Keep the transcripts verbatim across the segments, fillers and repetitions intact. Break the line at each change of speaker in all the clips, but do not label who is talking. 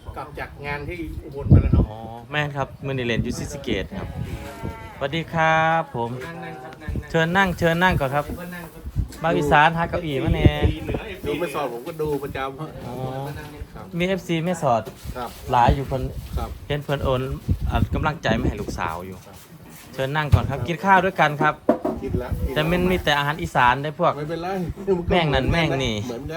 กลับจากงานที่อุบลมาแล้วเนาะ
อ๋อแม่นครับมือนิเลนยูซิสเกตครับสวัสดีครับผม
นั่งนั่งครับนั่ง
เชิญนั่งเชิญนั่งก่อนครับ
ก็นั่งครับ
บางอีสานหาเก้าอี้มาแน่
เหนือ
ดูไม่สอบผมก็ดูประจ
อ๋อ
ำครับ
มี เอฟ ซี แม่สอด
ครับ
หลายอยู่คน
ครับ
เห็นเพิ่นโอนอ่ะกำลังใจมาให้ลูกสาวอยู่ เชิญนั่งก่อนครับกินข้าวด้วยกันครับ
กินแล้ว
แต่มันมีแต่อาหารอีสานได้พวก
ไม่เป็นไร
แม่งนั่นแม่งนี่
เหมือนกัน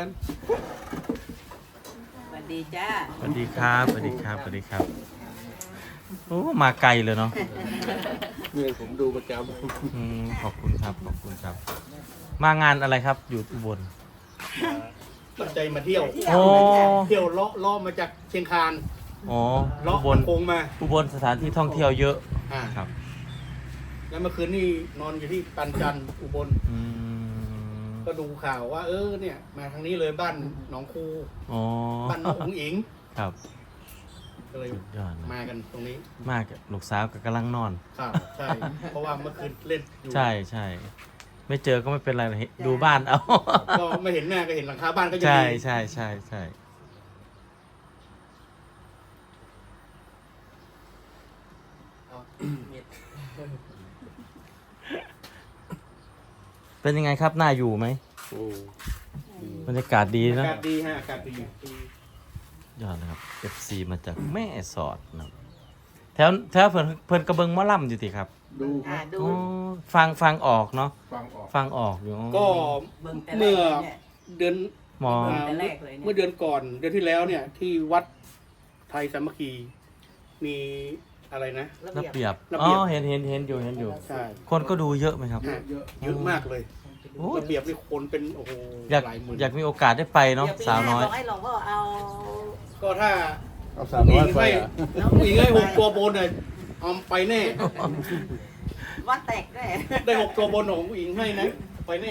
สวัสดีจ้า
สวัสดีครับสวัสดีครับสวัสดีครับโอ้มาไกลเลยเนาะ
เนี่ยผมดูประจ
อืมขอบคุณครับขอบคุณครับ มางานอะไรครับอยู่อุบล
ตั้งใจมาเที่ยว
โอ้
เที่ยวเลาะเลาะมาจากเชียงคาน
อ๋อ
เลาะ
อุบล
โคงมา
อุบลสถานที่ท่องเที่ยวเยอะ
อ่า
ครับ
แล้วเมื่อคืนนี่นอนอยู่ที่ปันจันทร์อุบล
อืม
ก็ดูข่าวว่า เออเนี่ย มาทางนี้เลยบ้านหนองคู
อ๋อ
บ้านน้องอุ๋งอิง
ครับ
ก็เลย
สุดยอดนะ
มากันตรงนี้
มากลูกสาวก็กำลังนอน
ครับใช่ เพราะว่าเมื่อคืนเล่นอยู่
ใช่ใช่ไม่เจอก็ไม่เป็นไรหรอกดูบ้านเอา
ก็ไม่เห็นหน้าก็เห็นหลังคาบ้านก็ยัง
ใช่
ดี
ใช่ใช่ใช่เป็นยังไงครับน่าอยู่ไหม
ำโอ้
บรรยากาศดี
อา
นะ
กาศดีฮะอากาศดี
ยอดนะครับ เอฟ ซี มาจากแม่สอดนะครับแถวแถวเพิ่นเพิ่นกระเบิงหมอลำอยู่ติครับ
ดูค
อ่า
รับ
ดู
อ๋อฟังฟังออกเนาะ
ฟังออก
ฟังออกอยู่
ก็
เบิ่งแต่แร
เมื่อก
เลยเนี่ย
เดือน
หมอ
อ่า
แต่แรกเลยเนี่ย
เมื่อเดือนก่อนเดือนที่แล้วเนี่ย ที่วัดไทยสามัคคี มีอะไรนะ
ระเบียบ
ระ
อ๋
เบี
อย
บ
เห็นเห็นเห็นอยู่เห็นอยู่
ใช่
คนก็ดูเยอะไหมครับ
ฮะเยอะมากเลย
โอ้
ระเบียบนี่คนเป็นโอ้โห
อยาก
หลายหมื่น
อยากมีโอกาสได้ไปเนาะ
ดี๋ยวปี
สาวน้อย
หบอกให้หลวงพ่อเอา
ก็ถ้า
เอาสามร้อยไป
ให้
อ่ะ
ผู้หญิงให้หกตัวบนเนี่ยเอาไปแน่
วัดแตกด้วย
ได้หกตัวบนของผู้หญิงให้นะไปแน่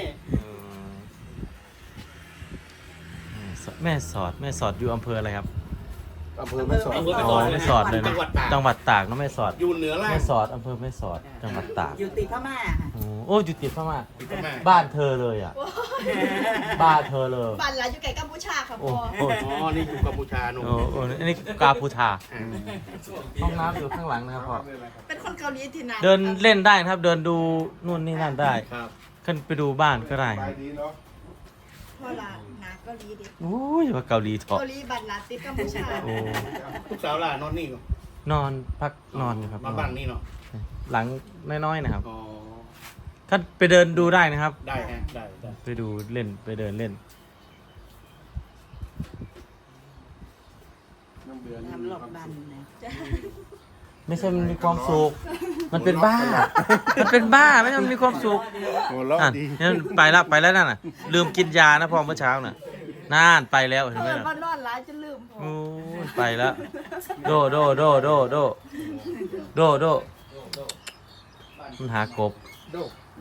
แม่สอดแม่สอดอยู่อำเภออะไรครับ
อำเภอแม่สอด
อำเภอแม่
อ๋
ส
อ
อด
แม่สอดเลยนะ
จังหวัดตาก
จังหวัดตากเนาะแม่สอด
อยู่เหนือล่าง
แม่สอดอำเภอแม่สอดจังหวัดตาก
อยู่ติดพม่าค่ะ
โอ้โอ้อยู่ติดพม่า
ติดพม่า
บ้านเธอเลยอ่ะบ้านเธอเลย
บ้านเราอยู่ไกลกัมพูชาค่ะ
โอ้
พ่อ
โห
อ๋อ นี่อยู่กัมพูชาหนุ่ม
โอ้โหอันนี้กาพูทา
อ่า
ห้องน้ำอยู่ข้างหลังนะครับพ่อ
เป็นคนเกาหลีที่นั่น
เดินเล่นได้นะครับ เดินดูนู่นนี่นั่นได้
ครับ
ขึ้นไปดูบ้านก็ได้
ไปดีเนาะ
พ่อละหนาเกาหลีดิ
โอ้ยว่าเกาหลีเถอะ
เกาหลีบ้านลาติดกัมพูชา
โอ้
ลูกสาวล่ะนอนนี่ก่อน
นอนพักนอนอยู่ครับ
มาบ้านนี่เนาะ
หลังน้อยๆนะครับ
อ๋อ
ก็ไปเดินดูได้นะครับ
ได้ฮะ ได้ได้
ไปดูเล่นไปเดินเล่น
น้ำเดือน
ทำหลอกบันนะ
ไม่ใช่มันมีความสุข มันเป็นบ้า มันเป็นบ้าไม่ใช่มันมีความสุข
หัวเราะ
อ่ะ
ดี
นั่นไปแล้วไปแล้วนั่นน่ะ ลืมกินยานะพ่อเมื่อเช้าน่ะน่านไปแล้วเห็นไหม
เออ
น่ะ
บ้านนอนร้ายจะลืมพ่อ
โอ้ยไปแล้ว โดโดโดโดโดโดโดมันหากบ
ดู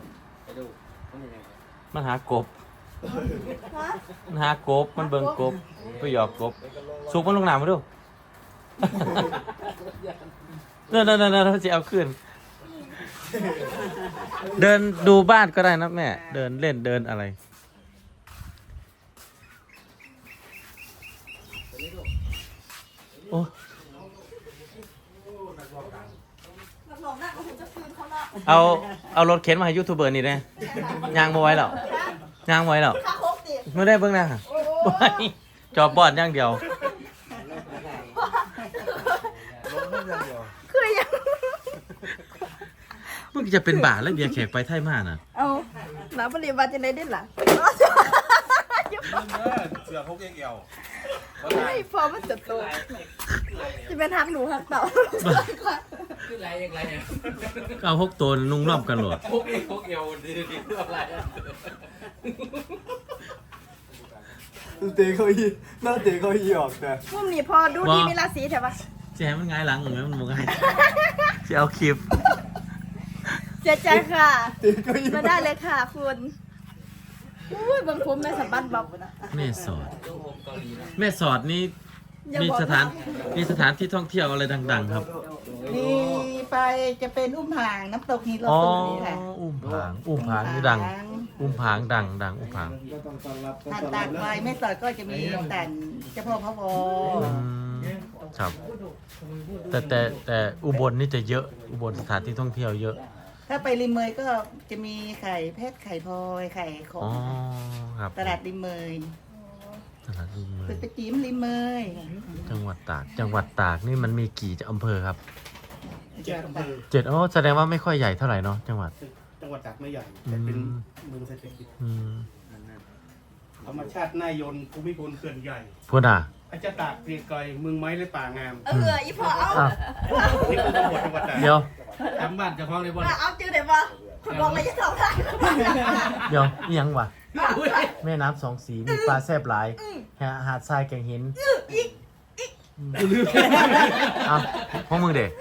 มันหากบ มันหากบ มันเบิ่งกบไปหยอกกบ สุกมันลงน้ำมาดู เดินเดินเดินเดินจะเอาขึ้น เดินดูบ้านก็ได้นะแม่ เดินเล่นเดินอะไร โอ้
รับรองได้ว่าผมจะคืนเขาละ
เอา เอารถเข็นมาให้ยูทูบเบอร์นี่ได้ยางมาไว้แล้วยางไว้แล้ว
ค่าโคกติ
ไม่ได้เบิ่งหนะจอบบอดอย่างเดียว
คือยัง
มึงจะเป็นบาทแล้วเบียร์แขกไปไทยมาน่ะ
เอาหนาบริวารจะได้ดิ้นล่ะ
เสือเขาเกี่ยว
ไม่พอมันจะโตจะเป็นหักหนูหักเต่า
คืออะไรอย่างไรเนี่ย
เอาหกตัวนุ่งร่อมกันหลด
พวกเอวพวกเอวดีดีเรื่องอะไรอะ
เตะเขาอีหน้าเตะเขาอีออกแต่
มุมนี้พอดูดีมีราศีแถวะ
แจมันง่ายหลังเหมือนมันมึงไงจะเอาคลิป
เสียใจค่ะ
เตะเขาอี
มาได้เลยค่ะคุณอุ้ยบางผมแม่สับบันบอกนะ
แม่สอด
ลูกผมเกาหลีนะ
แม่สอดนี่มีสถานมีสถานที่ท่องเที่ยวอะไรดัง ๆ ครับ
นี่ไปจะเป็นอุ้มห่างน้ำตกฮีโร่
อ๋อ
ตุนี่ค่ะ
อุ้มผาง อุ้มผางนี่ดัง อุ้มผางดังดังอุ้มผาง
ก็ต้องต้อนรับ
ทานตากไปไม่ต่อยก็จะมีแต่เจ้าพ่อพระวอ
อืมครับ แต่แต่แต่อุบลนี่จะเยอะอุบลสถานที่ท่องเที่ยวเยอะ
ถ้าไปริมเมยก็จะมีไข่เพชรไข่พลอยไข่ขอ
อ๋อง ครับ
ตลาดริมเมย
ตลาดริมเม
คื
ย
อไปจิ้มริมเมย
จังหวัดตากจังหวัดตากนี่มันมีกี่อำเภอครับ
เจ็ดอำเภอ
เจ็ดอ๋อแสดงว่าไม่ค่อยใหญ่เท่าไหร่เนาะจังหวัด
จังหวัดตากไม่ใหญ่แต่เป็น
อืม
เมืองเศรษฐกิจ
อืม
ธรรมชาติน่ายนภูมิพลเขื่อนใหญ่
พูดอ่ะ
อาจจะตากเกรียงไกรเมืองไม้และป่างาม
เอออีพอเอา
อ้าว
นี่คือจังหวัดจังหวัดตาก
เดี๋ยว
ทำบ้านเจะคล้าของในบ่อน
เอาจื้อเดี๋ยวบ่คุณบอกเลยจะสองได้
เดี๋ยวนี่ยังวะแม่น้ำสองสีมีปลาแซบหลายหาหาดทรายแก่งหินเอาพวกมึงเด็ก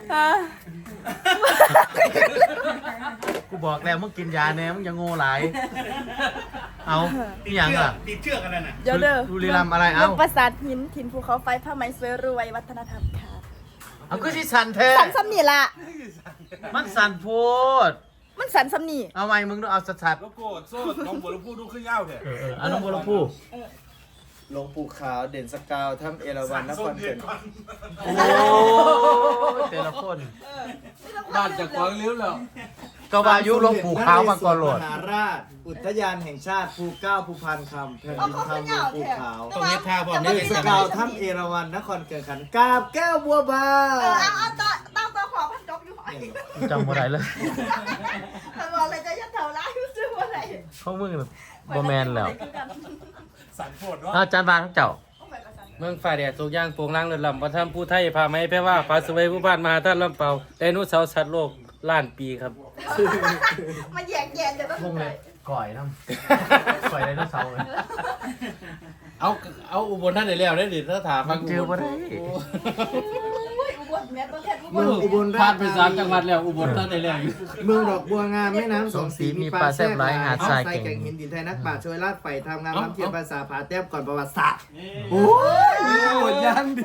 กูบอกแล้วมึงกินยาแน่มึงอย่าโง่หลายเอานี่ยังอ่ะ
ติดเชือกกันนั่นน่ะ
เดี๋ยวเด้อ
บุรีรัมย์อะไร
เมื
เอ้า
องปราสาทหินถิ่นภูเขาไฟผ้าไหมสวยรวยวัฒนธรรมค่ะ
เอาก็ที่สันแท้
สันซ้ำนี่ล่ะ
มันสันโพด
มันสันซ้ำนี่
เอาไหมมึงต้องเอาสัด
แล้วก็โซ่น้องบัวลำพูดูขึ้นยาวเถอะ
ๆเออเอออันนั้นบัวลำพู
หลวงปู่ขาวเด่นสกาวถ้ำเอราวัณนครเกิน
โอ้แต่ละคน
บ้านเจะคล้าของลิ้วแล้ว
ก็วายุหลวงปู่ขาวมาก่อนโหลด
มหาราช อุทยานแห่งชาติภูเก้าภูพันคำแผ่น
เอา
ดิน
เขา
คำหล
ขึ้น
วย
าง ว
ปู่
แท้
ขาว
ต้องเฮ็ดท่าพร้อม
แต่
นี่
ว่า
สกาวถ้ำเอราวัณนครเกินขันกราบแก้วบัวบา
เออเอาเอาต่อต่อต่อขอพันจบอยู่หอย
จำบ่ได้เลย
แต่บอกเลยจะยัดเท่าไรซื้อว่าไร
พวกมึงบ่แมนแล้ว
สันโพดเนาะ
อาจารย์บานทั้งเจ้า
เมืองฝ่ายแดดทุกอย่างโปร่งล่างเรือนลำวัฒนธรรมผู้ไทยพาไม้แปลว่าฟ้าสวยผู้บ้านมหาท่านลำเปาไดโนเสาร์สัตว์โลกล้านปีครับ
มาแยกแยกจะต้อง
พวกเลยก่อยน้ำก่อยไดโนเสาร์เลย
เอาเอาอุบลท่านได้แล้วได้ดิถ้าถามฟัง
เจอบ่ได้
อุ้ยอุบลแม่ตัวแทนอุบ
เมื
ล
องอุบล
ผ่า
ราช
นไปสามจังหวัดแล้วอุบลท่านได้แล้วอยู่
เมืองดอกบัวงามแม่น้ำสองสี
มีปลาแซ่บหลายหาดทราย
ใส่
แก่ง
แก่งหินดินไทยนักป่าชช่วยลากไปทำงานน้ำเทียมภาษาผาแต้มก่อนประวัติศาสตร์โอ้ยหมดยังดิ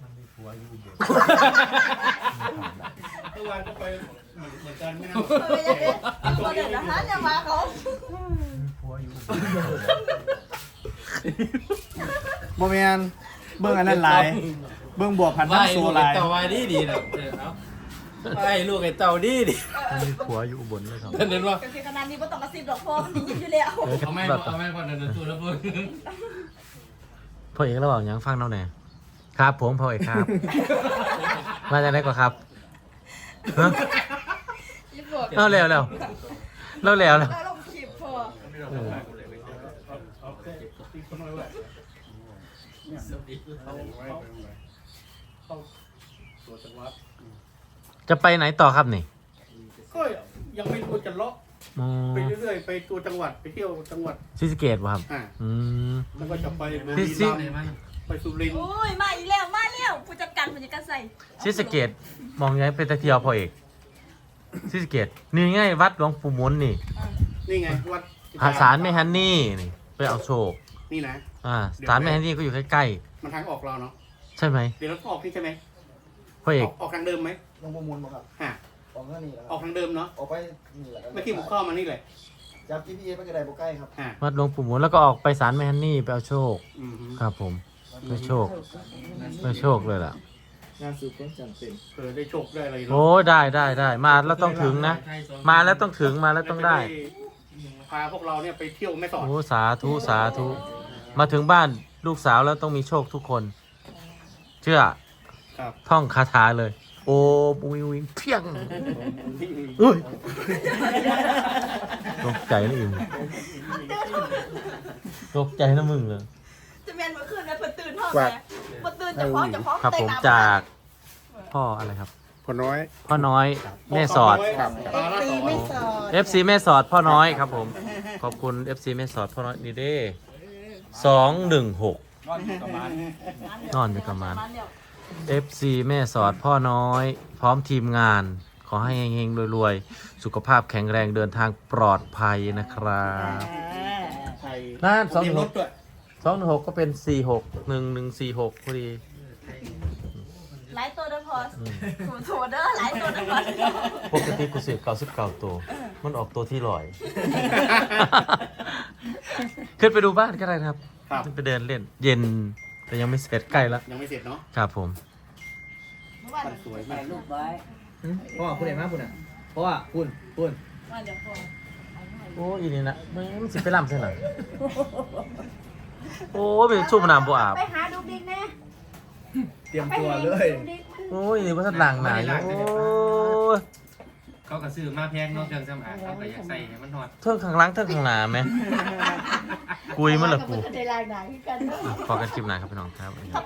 เมื่อวานก็ไปเหมือนกันไม่นะ
เออยังไงตัวเด็ดนะฮะเนี่ยมาเขา
โมเมนเบื้องอันนั้นหลายเบื้องบวกพัน
ไหว้
ธุ์โซ
ลูก
ห
ไอ้
ลาย
เต่าไหว้ดีดีนะเออเอาไหว้ลูกไอ้เต่าดีดี
มีผัวอยู่อุบลเลยครับ
เห็นว่า
ก็คือขนาดนี้ไม่ต้องกระซิบหรอกพ่อมันยินอยู่แล้ว
เออ
เอาแม่เอาแม่ก่อนเดินตัวแล้วพูด
พ่อเอกระหว่างยังฟังเราแหน่ครับผมพ่อเอกครับ มาจากไหนก่อนครับฮะ
ยี่ปวด
เล่าแล้วแล้วเล่าแล้วแล้ว
แล้วลงคลิปพ่อ
เออ
เอาแค่ตีคนน้อยไว้เนี่ยเอาไว้เข้าตัวจังหวัด
จะไปไหนต่อครับนี่
ก็ยังไม่รู้จะเลาะ
อ๋อ
ไปเรื่อยๆไปตัวจังหวัดไปเที่ยวจังหวัด
ศรีสะเกษป่ะครับ
อ่า
อืม
แล้วก็จะไปบุ
พี่
รี
ซิ
รัมย์ไปสุรินทร์
อุ้ยมาอีกแล้วมาแล้วผู้จัดการผู้จัดการใส่
ศรีสะเกษมองยังเป็นตะเที่ยวพ่อเอกศรีสะเกษนี่ไงวัดหลวงปู่หมุนนี่
นี่ไงวัด
หาสารแม่ฮันนี่นี่ไปเอาโชค
นี่นะ
อ่าสารแม่ฮันนี่ก็อยู่ใกล้
มันทางออกเราเนาะ
ๆใช่ไหม
เดี๋ยวเราออกนี่ใช่ไหม
พ่อเอ
อก อกออกทางเดิมไหม
ลงประมูลมาครับ
ฮะ
ออกข้างนี้แล้ว
ออกทางเดิมเนาะ
ออกไปนี่แหละ
เมื่อกี้ผมเข้ามานี่แหละ
จับ จี พี เอสไปกระไดบุใกล้ครับ
ฮะ
วัดหลวงปู่หมุนแล้วก็ออกไปสารแม่ฮันนี่ไปเอาโชค
อืมฮึ
ครับผมไปโชคไปโชคเลยล่ะ
งานสืบค้นจันเป็น
เออได้โชคได้อะไรเนาะ
โอ้ได้ได้ได้มาแล้วต้องถึงนะ มาแล้วต้องถึงมาแล้วต้องได้
พาพวกเราเนี่ยไปเที่ยวแม่สอด
โอ้สาธุสาธุมาถึงบ้านลูกสาวแล้วต้องมีโชคทุกคน เชื่อ
ครับ
ท่องคาถาเลย โอ้ปุยวิงเพียงอุ้ยตกใจนะอิมตกใจนะมึงเลย
จะเมียนเมื่อคืนนะเพิ่นตื่นห้องแม่เพิ่นตื่นจะพร้อมจะพร้อม
ครับผมจากพ่ออะไรครับ
พอน้อย
พ่อน้อยแม่สอด
ครับปลาละ
ตี
สอง
ไม่สอด
เอฟ ซี แม่สอดพ่อน้อยครับผม ขอบคุณ เอฟ ซี แม่สอดพ่อน้อยนี่เด้สองหนึ่งหก
นอนอยู่ประมาณ
นอนอยู่ประมาณ เอฟ ซี แม่สอดพ่อน้อย พร้อมทีมงาน ขอให้เฮงๆรวยๆ สุขภาพแข็งแรงเดินทางปลอดภัยนะครับ
ไทย
น่านสองห
มี
นึ่ง
ร
ห
ถ
ก
ด้วย
สองหนึ่งหกก็เป็นสี่หกหนึ่งหนึ่งสี่หกพอดี
หลายตัวเด้อพอถูถูเด้อหลายตัวเด้อพอ
ปกติกูเสียเก้าสิบเก้าตัว มันออกตัวที่ลอย ขึ้นไปดูบ้านก็ได้นะครับ
ครับ
ขึ้นไปเดินเล่น เย็นแต่ยังไม่เสร็จใกล้แล้ว
ยังไม่เสร็จเนาะ
ครับผม
มื่อวาน
สวย
ถ่าม
าย ก
รูปไว้
พ่อคุณเห็นไหมคุณอ่ะเพราะว่าคุณคุณ
วันเดี๋ยวพอ
โอ้อีนี่นะไม่มันสิไปลำใช่หรอโอ้เป็นชุ่มน้ำบ่อาบ
ไปหาดูดิกแน่
เตรียมตัวเลย
โอ้ยนี่ว่าทัดหลังหนาอยู่โอ้ย
เขาก็ซื้อมาแพงเนาะเครื่องสำอางเขาก็อยากใส่ให้มันฮอด
เทิงข้างหล่างเทิงข้างหน้าไหมกุยมันละกู
ในรายหนังกันเนาะ
พอกันคลิปหน้าครับพี่น้องครับ